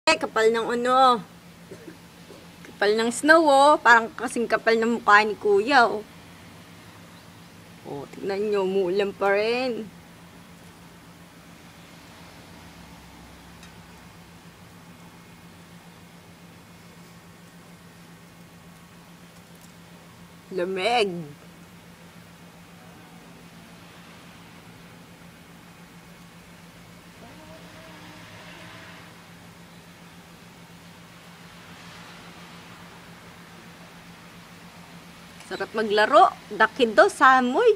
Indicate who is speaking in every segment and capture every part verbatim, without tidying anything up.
Speaker 1: Eh, kapal ng ano. Kapal ng snow, oh. Parang kasing kapal ng mukha ni Kuya, oh. Oh, tignan nyo, umuulan pa rin. Lamig. Sarap maglaro. Dakido, samoy.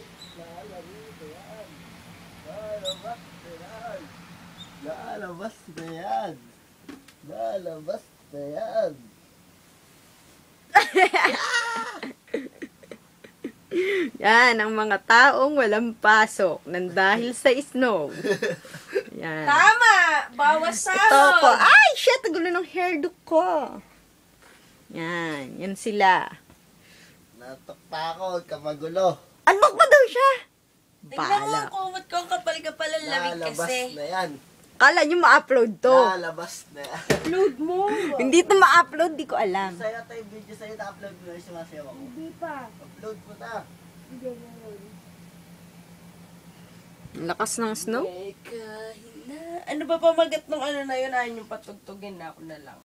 Speaker 2: Lalabas na yan. Lalabas na yan.
Speaker 1: Yan, ang mga taong walang pasok nang dahil sa snow. Yan.
Speaker 3: Tama! Bawas
Speaker 1: Ito
Speaker 3: sahod!
Speaker 1: ko. Ay, shit! Ang gulo ng hairdo ko. Yan. Yan sila.
Speaker 2: Nataktakot ka magulo.
Speaker 1: Unbox mo daw siya.
Speaker 3: Tingnan mo
Speaker 1: Bala.
Speaker 3: ang kumot ko, kapal-kapal ang lamig
Speaker 2: Lalabas
Speaker 3: kasi.
Speaker 2: na yan.
Speaker 1: Kala nyo ma-upload to.
Speaker 2: Lalabas na yan.
Speaker 3: Upload mo!
Speaker 1: Hindi to ma-upload, di ko alam.
Speaker 2: Sa'yo tayo video sa'yo na-upload mo na yung sumasayaw ako.
Speaker 3: Hindi pa.
Speaker 2: Upload mo na.
Speaker 3: Hindi mo.
Speaker 1: Ang lakas ng snow.
Speaker 3: Eh, kahina. Ano ba pamagat nung ano na yun? Ayaw yung patugtugin na ako na lang.